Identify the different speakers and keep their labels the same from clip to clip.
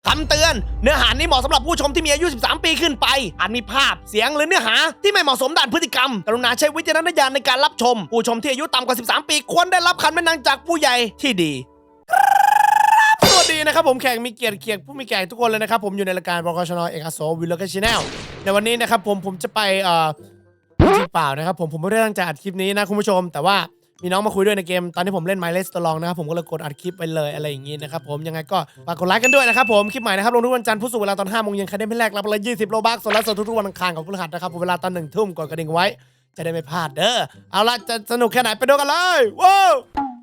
Speaker 1: คำเตือนเนื้อหานี้เหมาะสำหรับผู้ชมที่มีอายุ 13 ปีขึ้นไปอาจมีภาพเสียงหรือเนื้อหาที่ไม่เหมาะสมด้านพฤติกรรมกรุณาใช้วิจารณญาณในการรับชมผู้ชมที่อายุต่ำกว่า 13 ปีควรได้รับคำแนะนำจากผู้ใหญ่ที่ดีสวัสดีนะครับผมแขกมีเกียรติผู้มีแขกทุกคนเลยนะครับผมอยู่ในรายการบกชนเอกอัศวิลเลอร์ชาแนลในวันนี้นะครับผมจะไปจริงเปล่านะครับผมไม่ได้ตั้งใจอัดคลิปนี้นะคุณผู้ชมแต่ว่ามีน้องมาคุยด้วยในเกมตอนที่ผมเล่น My Let's Long นะครับผมก็เลยกดอัดคลิปไปเลยอะไรอย่างงี้นะครับผมยังไงก็ฝากกดไลค์กันด้วยนะครับผมคลิปใหม่นะครับลงทุกวันจันทร์พุธศุกร์เวลาตอน 5 โมงเย็นใครได้ไม่แรกรับเลย20 โลบัคส่วนไลฟ์สดทุกๆวันอังคารกับพฤหัสนะครับผมเวลาตอน 1 ทุ่มกดกระดิ่งไว้จะได้ไม่พลาดเด้อเอาล่ะจะสนุกแค่ไหนไปดูกันเลยว้าว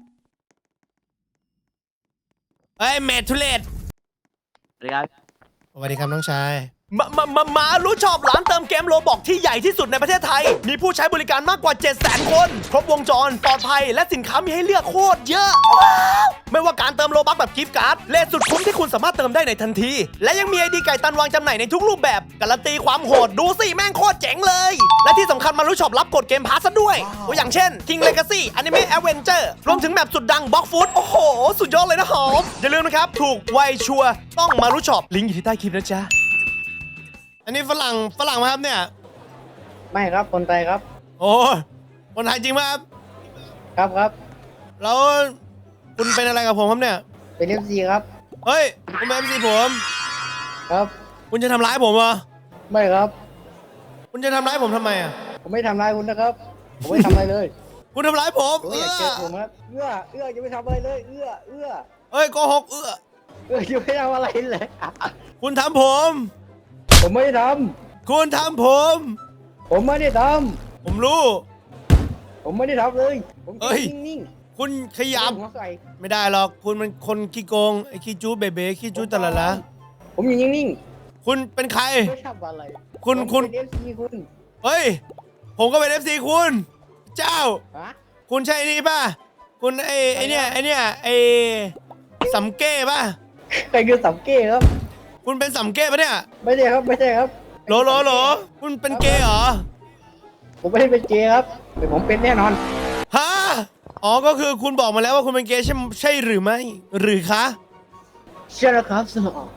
Speaker 1: เฮ้ยเมทุเลต
Speaker 2: สวัสดีครับ
Speaker 1: สวัสดีครับน้องชายมารู้ชอบร้านเติมเกมโลบอกที่ใหญ่ที่สุดในประเทศไทยมีผู้ใช้บริการมากกว่า 700,000 คนครบวงจรปลอดภัยและสินค้ามีให้เลือกโคตรเยอะว้าวไม่ว่าการเติมโลบัคแบบกิฟต์การ์ดเลทสุดคุ้มที่คุณสามารถเติมได้ในทันทีและยังมีไอดีไก่ตันวางจำหน่ายในทุกรูปแบบการันตีความโหดดูสิแม่งโคตรเจ๋งเลยและที่สำคัญมารู้ชอบรับกดเกมพาสซะด้วยตัวอย่างเช่น King Legacy Anime Adventure รวมถึงแบบสุดดัง Block Food โอ้โหสุดยอดเลยนะหอมอย่าลืมนะครับถูกไวชัวร์ต้องมารู้ชอบลิงก์อยู่ที่ใต้คลิปนะจ๊ะอันนี้ฝรั่งมาครับเนี่ย
Speaker 2: ไม่ครับคนไทยครับ
Speaker 1: โอ้คนไทยจริงไหมครับ
Speaker 2: ครับ
Speaker 1: แล้วคุณเป็นอะไรกับผมครับเนี่ย
Speaker 2: เป็นเอฟซีครับ
Speaker 1: เฮ้ยคุณเป็น MC ผม
Speaker 2: ครับ
Speaker 1: คุณจะทำร้ายผมเหรอ
Speaker 2: ไม่ครับ
Speaker 1: คุณจะทำร้ายผมทำไมอ่ะ
Speaker 2: ผมไม่ทำร้ายคุณนะครับ ผมไม่ทำอะไรเลย
Speaker 1: คุณทำร้ายผม
Speaker 2: ผมอยากเจอผมครับเอื้อจะไม่ทำอะไรเลยเอื้อ
Speaker 1: เฮ้ยโกหก
Speaker 2: จะไม่ทำอะไรเลย
Speaker 1: คุณทำผม
Speaker 2: ผมไม่ได้ท
Speaker 1: คุณทำผม
Speaker 2: ำผมไม่ได้ท
Speaker 1: ผมรู้
Speaker 2: ำผมไม่ได้ทำเลยผม
Speaker 1: เอ้ย
Speaker 2: นิ่ง
Speaker 1: คุณข
Speaker 2: ๆ
Speaker 1: ยับ
Speaker 2: หัวใส่
Speaker 1: ไม่ได้หรอกคุณมันคนขี้โกงไอ้ขี้จู้เบ๋ขี้จู้ตะละละ
Speaker 2: ผมอยู่นิ่ง
Speaker 1: คุณเป็นใคร
Speaker 2: ๆไม่ทำอะไร
Speaker 1: คุณ
Speaker 2: ผมเป็นเอฟซีคุณ
Speaker 1: เฮ้ยผมก็เป็น FC คุณเจ้า
Speaker 2: ฮะ
Speaker 1: คุณใช่นี่ป่ะคุณไอเนี่ยไอสำเก้ป่ะ
Speaker 2: ใครคือสัมเก้ครับ
Speaker 1: คุณเป็นสำเก้ป่ะเนี่ย
Speaker 2: ไม่ใช่ครับ
Speaker 1: โหลคุณเป็นเกย์เหรอ
Speaker 2: ผมไม่ได้เป็นเกย์ครับแต่ผมเป็นแน่นอน
Speaker 1: ฮะอ๋อก็คือคุณบอกมาแล้วว่าคุณเป็นเกย์ใช่หรือไม่หรือคะ
Speaker 2: เชื่อแล้วครับสนอ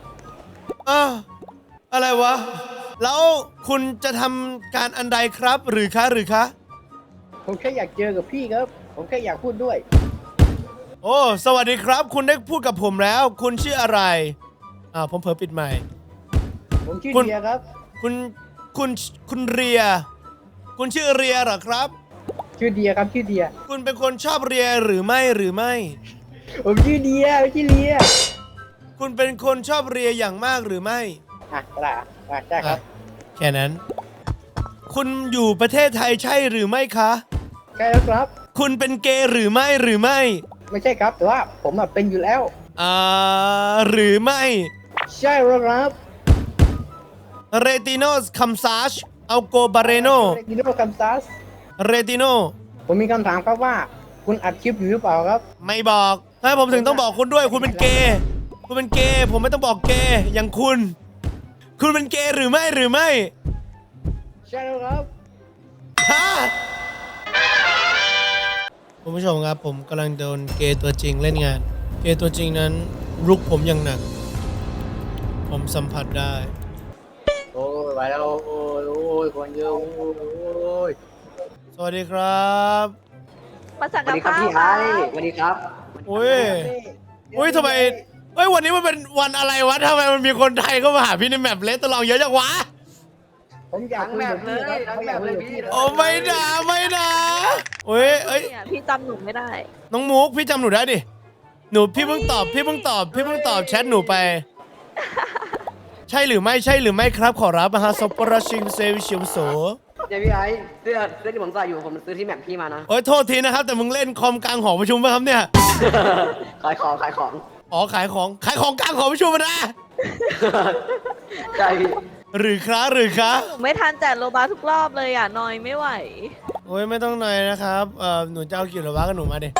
Speaker 1: อะไรวะแล้วคุณจะทำการอันใดครับหรือคะ
Speaker 2: ผมแค่อยากเจอกับพี่ครับ ผมแค่อยากพูดด้วย
Speaker 1: โอ้สวัสดีครับ คุณได้พูดกับผมแล้ว คุณชื่ออะไรผมเผลอปิดใหม่
Speaker 2: ผมชื่อ
Speaker 1: คุณ
Speaker 2: เดียครับ
Speaker 1: คุณเรีย คุณชื่อเรียเหรอครับ
Speaker 2: ชื่อเดียครับชื่อเดีย
Speaker 1: คุณเป็นคนชอบเรียหรือไม่
Speaker 2: ผมชื่อเดียไม่ใช่เลีย
Speaker 1: คุณเป็นคนชอบเรียอย่างมากหรือไม่
Speaker 2: ก็ได้ใช่ครับ
Speaker 1: แค่นั้น คุณอยู่ประเทศไทยใช่หรือไม่คะ
Speaker 2: ใช่แล้วครับ
Speaker 1: คุณเป็นเกย์หรือไม่
Speaker 2: ไม่ใช่ครับ แต่ว่าผมเป็นอยู่แล้ว
Speaker 1: หรือไม่
Speaker 2: ใช่แล้วครับ
Speaker 1: เรติโนสคัมซาชเอาโกบาเรโน
Speaker 2: กินโนคัมซัส
Speaker 1: เรติโน
Speaker 2: ผมมีคำถามครับว่า คุณอัดคลิปอยู่หรือเปล่าครับ
Speaker 1: ไม่บอกถ้าผมถึงต้องบอกคุณด้วย คุณเป็นเกย์คุณเป็นเกย์ผมไม่ต้องบอกเกย์อย่างคุณ คุณเป็นเกย์หรือไม่
Speaker 2: ใช่แล้วครับ
Speaker 1: ฮะคุณผู้ชมครับผมกำลังโดนเกย์ตัวจริงเล่นงาน เกย์ตัวจริงนั้นรุกผมอย่างหนัก ผมสัมผัสได้
Speaker 2: โอ้ยไปแล้วโอ้ยคนเยอะโอ้ย
Speaker 1: สวัสดีครับ
Speaker 3: มาสั่ง
Speaker 2: สวั
Speaker 3: กั
Speaker 2: ส
Speaker 3: บ
Speaker 2: ดีครับ
Speaker 3: ข้าว
Speaker 2: พี่ไอ้
Speaker 3: ค่ะ
Speaker 2: สวัสดีครับ
Speaker 1: อุ้ยทำไมวันนี้มันเป็นวันอะไรวะทำไมมันมีคนไทยเข้ามาหาพี่ในแมปเลสตลองเยอะจังวะ
Speaker 2: ผมอยากคุยกับพี่ครับผมอยากคุยกับพี่
Speaker 1: โอ้ไม่นะเอ้ย
Speaker 3: เนี่ยพี่จำหนูไม่ได้
Speaker 1: น้องมุกพี่จำหนูได้ดิพี่เพิ่งตอบแชทหนูไป ใช่หรือไม่ครับขอรับฮะซอปปราชิงเซวิชิวโส
Speaker 4: เดี๋ยวพี่ไอ้เสื้อที่ผมใส่อยู่ผมซื้อที่แมปพี่มานะ
Speaker 1: โอ้ยโทษทีนะครับแต่มึงเล่นคอมกลางหอประชุมป่ะครับเนี่ย
Speaker 4: ขายของ
Speaker 1: อ๋อขายของกลางหอประชุมมานะ
Speaker 4: ใช่พี่
Speaker 1: หรือครับ
Speaker 3: หนูไม่ทันแจกโลบาทุกรอบเลยอ่ะนอยไม่ไหว
Speaker 1: โอ้ยไม่ต้องหน่อยนะครับหนูจะเอากี่โลวะกับหนูมาดิ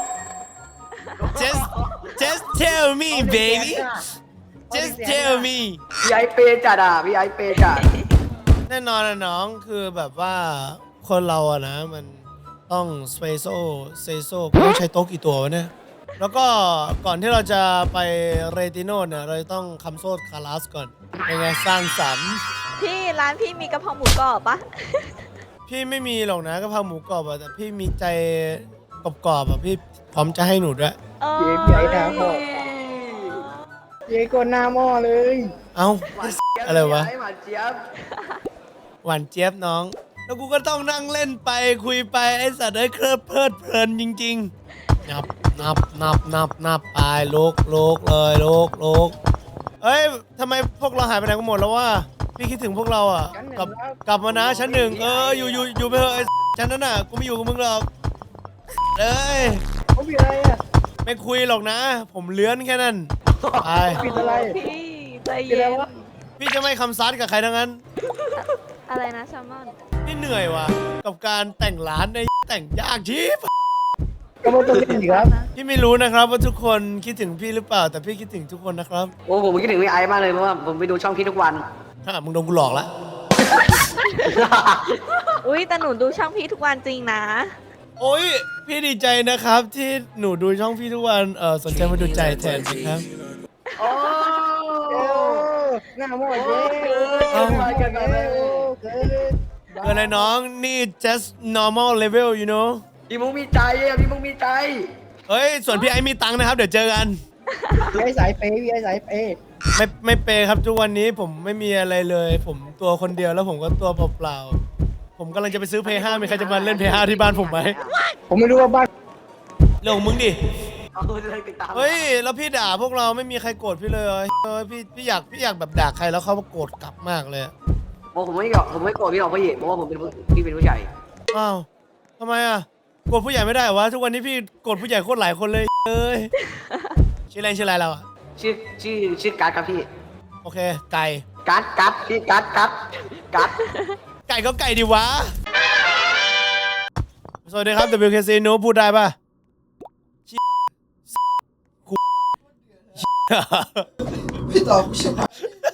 Speaker 1: just tell me baby just tell me
Speaker 4: พี่ไอ้เปย์จัดอ่ะพี่ไอ้เปย์จัด
Speaker 1: แน่นอนนะน้องคือแบบว่าคนเราอะนะมันต้องเซโซต้องใช้โต๊ะกี่ตัววะเนี่ยแล้วก็ก่อนที่เราจะไปเรติโนเนี่ยเราจะต้องคำโซดคาราสก่อนเป็นไงสร้างสรรค์
Speaker 3: พี่ร้านพี่มีกะเพราหมูกรอบปะ
Speaker 1: พี่ไม่มีหรอกนะกะเพราหมูกรอบอะแต่พี่มีใจกรอบๆอะพี่พร้อมจะให้หนูด้วย
Speaker 3: เออ
Speaker 2: เจ๊หน้าหม้อเจ๊ก็หน้าหม้อเลย
Speaker 1: เอ้าอะไรวะ
Speaker 4: หวานเจี๊ยบ
Speaker 1: หวานเจี๊ยบน้อง แล้วกูก็ต้องนั่งเล่นไปคุยไปไอ้สัตว์เอ้ยเพลิดเพลินจริงๆนับไปโลกเลยโลกเอ้ยทำไมพวกเราหายไปไหนกันหมดแล้ววะพี่คิดถึงพวกเราอ่ะกลับมานะชั้นหนึ่งอยู่ไปเถอะไอ้ชั้นนั้นน่ะกูไม่อยู่กับมึงหรอกเอ้ย
Speaker 2: เขาผิดอะไรอ่ะ
Speaker 1: ไม่คุยหรอกนะ ผมเลื้อนแค่นั้นไป
Speaker 2: ผิดอะไร
Speaker 3: พี่ใจ
Speaker 2: ผิดอะไร
Speaker 3: เย็น
Speaker 2: วะ
Speaker 1: พี่จะไม่คำซัดกับใครทั้งนั้น
Speaker 3: อะไรนะแซลมอน
Speaker 1: พี่เหนื่อยว่ะกับการแต่งร้านในแต่งยากชิบ
Speaker 2: ก็ไม่ต้องเล่นอีกครับ
Speaker 1: พี่ไม่รู้นะครับว่าทุกคนคิดถึงพี่หรือเปล่า แต่พี่คิดถึงทุกคนนะครับ
Speaker 4: โอ้ผมคิดถึงพี่ไอซ์มากเลยเพราะว่าผมไปดูช่องพี่ทุกวัน
Speaker 1: ถ้ามึงโดนกูหลอกละ
Speaker 3: อุ้ยแต่หนูดูช่องพี่ทุกวันจริงนะ
Speaker 1: โอ้ยพี่ดีใจนะครับที่หนูดูช่องพี่ทุกวันสนใจมาดูใจแทนสิครับ
Speaker 4: โอ้
Speaker 2: เอ้าหน้าหม้อเจ๊
Speaker 1: เอ้า
Speaker 2: เกินไปเลยเกิน
Speaker 1: เกิดอะไรน้องนี่ just normal level you know
Speaker 4: พี่มุกมีใจอ่ะพี่มุกมีใจ
Speaker 1: เฮ้ยส่วนพี่ไอ้มีตังค์นะครับเดี๋ยวเจอกัน
Speaker 2: พี่ไอ้สายเปย์พี่ไอ้สายเปย์
Speaker 1: ไม่เปย์ครับทุกวันนี้ผมไม่มีอะไรเลย ผมตัวคนเดียวแล้วผมก็ตัวเปล่าๆผมกำลังจะไปซื้อเพย์5มีใครจะมาเล่นเพย์5ที่บ้านผมไหม
Speaker 2: ผมไม่รู้ว่าบ้าน
Speaker 1: เรื่องของมึงดิ
Speaker 4: เอาเลยติดตาม
Speaker 1: เฮ้ยแล้วพี่ด่าพวกเราไม่มีใครโกรธพี่เลยพี่อยากแบบด่าใครแล้วเขาโกรธกลับมากเลยอะ
Speaker 4: โอ้ผมไม่โกรธพี่หรอกพี่เพราะว่าผมเป็นพี่เป็นผู้ใหญ่
Speaker 1: อ้าวทำไมอ่ะโกรธผู้ใหญ่ไม่ได้เหรอวะทุกวันนี้พี่โกรธผู้ใหญ่โคตรหลายคนเลยเอ้ยชื่ออะไรเราอ่ะ
Speaker 4: ชื่อการ์ดครับพี่
Speaker 1: โอเคไก่
Speaker 4: การ์ดพี่การ์ด
Speaker 1: ไก่ก็ไก่ดิวะสวัสดีครับ WKC หนูพูดได้ป่ะชิคุ
Speaker 5: พี่ตอบกูใช่ไหม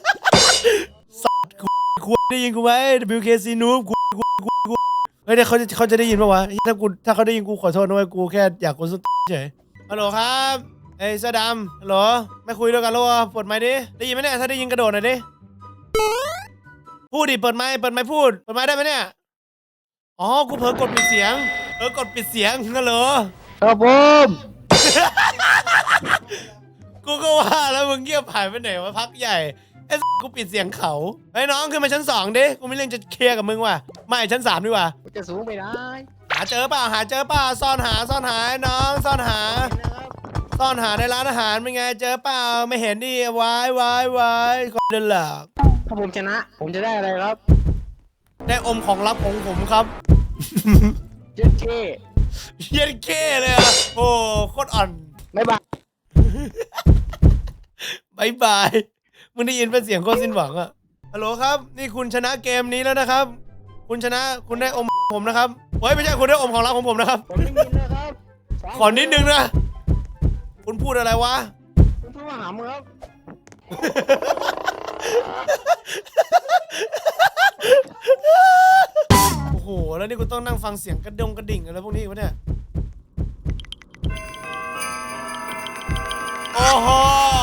Speaker 1: คุได้ยินกูไหม WKC หนูกูเฮ้ยเดี๋ยวเขาจะได้ยินป่าวะถ้าเขาได้ยินกูขอโทษนะเว้ยกูแค่อยากกูสุดเฉยฮัลโหลครับเอ้ยเสื้อดำฮัลโหลไม่คุยด้วยกันแล้ววะเปิดไมค์ดิได้ยินไหมเนี่ยถ้าได้ยินกระโดดหน่อยดิพูดดิเปิดไมค์พูดเปิดไมค์ได้ไหมเนี่ยอ๋อกูเผลอกดปิดเสียงกดปิดเสียงฮัลโหล
Speaker 2: ครับผม
Speaker 1: กูก็ว่าแล้วมึงเงียบหายไปไหนวะพักใหญ่ไอ้กูปิดเสียงเขาเฮ้ยน้องขึ้นมาชั้น2ดิกูมีเรื่องจะเคลียร์กับมึงว่ะไม่ชั้น3ดีกว่า
Speaker 2: จะสูงไปได้
Speaker 1: หาเจอเปล่าซ่อนหาน้องซ่อนหาในร้านอาหารเป็นไงเจอเปล่าไม่เห็นดิวายคนเดินหลัก
Speaker 2: ถ้าผมชนะ ผมจะได้อะไรครับ
Speaker 1: ได้อมของลับของผมครับ
Speaker 2: เจ๊เจ๊
Speaker 1: เย็นเก้เลยอ่ะโอ้โคตรอ่อน
Speaker 2: ไม่บาย
Speaker 1: บายบายมึงได้ยินเป็นเสียงโคตรสิ้นหวังอะฮัลโหลครับนี่คุณชนะเกมนี้แล้วนะครับ คุณชนะคุณได้อมผมนะครับเฮ้ยไม่ใช่คุณได้อมของลับของผมนะครับ
Speaker 2: ผมไม่ยินนะครับ
Speaker 1: ขอนิดนึงนะคุณพูดอะไรวะ
Speaker 2: ผมพูดว่าหามึงครับ
Speaker 1: โอ้โหแล้วนี่กูต้องนั่งฟังเสียงกระดิ่งอะไรพวกนี้อีกวะเนี่ยโอ้โห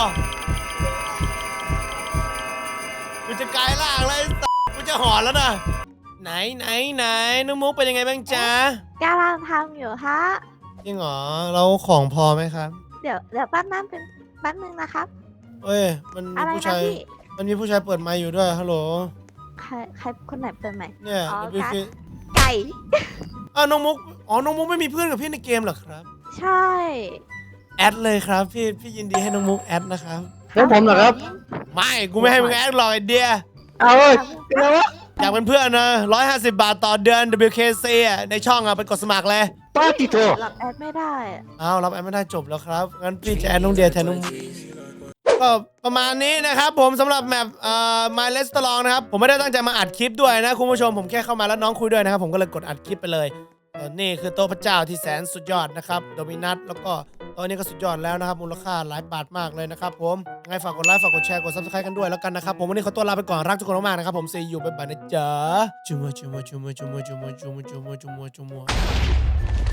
Speaker 1: กูจะกลายร่างเลยกูจะหอนแล้วนะไหนน้องมุกเป็นยังไงบ้างจ๊ะ
Speaker 3: กำลังทำอยู่ฮะ
Speaker 1: จริงเหรอเราของพอไหมครับ
Speaker 3: เดี๋ยวแป๊บนึงนะครับ
Speaker 1: เอ้ยมันมี
Speaker 3: อะไร
Speaker 1: ผู้
Speaker 3: นะ
Speaker 1: ชาย
Speaker 3: พี่
Speaker 1: มันมีผู้ชายเปิดไมค์อยู่ด้วยฮัลโหล
Speaker 3: ใครคนไหนเปิดใหม่
Speaker 1: เนี่ย
Speaker 3: อ๋อ
Speaker 1: WK
Speaker 3: ไก่
Speaker 1: อ้าวน้องมุกน้องมุกไม่มีเพื่อนกับพี่ในเกมเหรอครับ
Speaker 3: ใช่
Speaker 1: แอดเลยครับพี่ยินดีให้น้องมุกแอดนะครับ
Speaker 2: แล้วผมเหรอครับ
Speaker 1: ไม่กูไม่ให้มึงแอดหรอกไอเดีย
Speaker 2: เอาเว้ยเป็นไรวะ
Speaker 1: อยากเป็นเพื่อนนะ150 บาทต่อเดือน WKC อ่ะในช่องอ่ะไปกดสมัครเลย
Speaker 2: ป้าติโต
Speaker 3: รับแอดไม่ได้อะ
Speaker 1: อ้าวรับแอดไม่ได้จบแล้วครับงั้นพี่จะแอดน้องเดียแทนน้องก็ประมาณนี้นะครับผมสำหรับแมปMy Restaurant นะครับผมไม่ได้ตั้งใจมาอัดคลิปด้วยนะคุณผู้ชมผมแค่เข้ามาแล้วน้องคุยด้วยนะครับผมก็เลยกดอัดคลิปไปเลยนี่คือโต๊ะพระเจ้าที่แสนสุดยอดนะครับโดมินัสแล้วก็โต๊ะนี้ก็สุดยอดแล้วนะครับมูลค่าหลายบาทมากเลยนะครับผมยังไงฝากกดไลค์ฝากกดแชร์กด Subscribe กันด้วยแล้วกันนะครับผมวันนี้ขอตัวลาไปก่อนรักทุกคนมากๆนะครับผมซีอยู่บ๊ายบายนะจ๊ะจุ๊มัว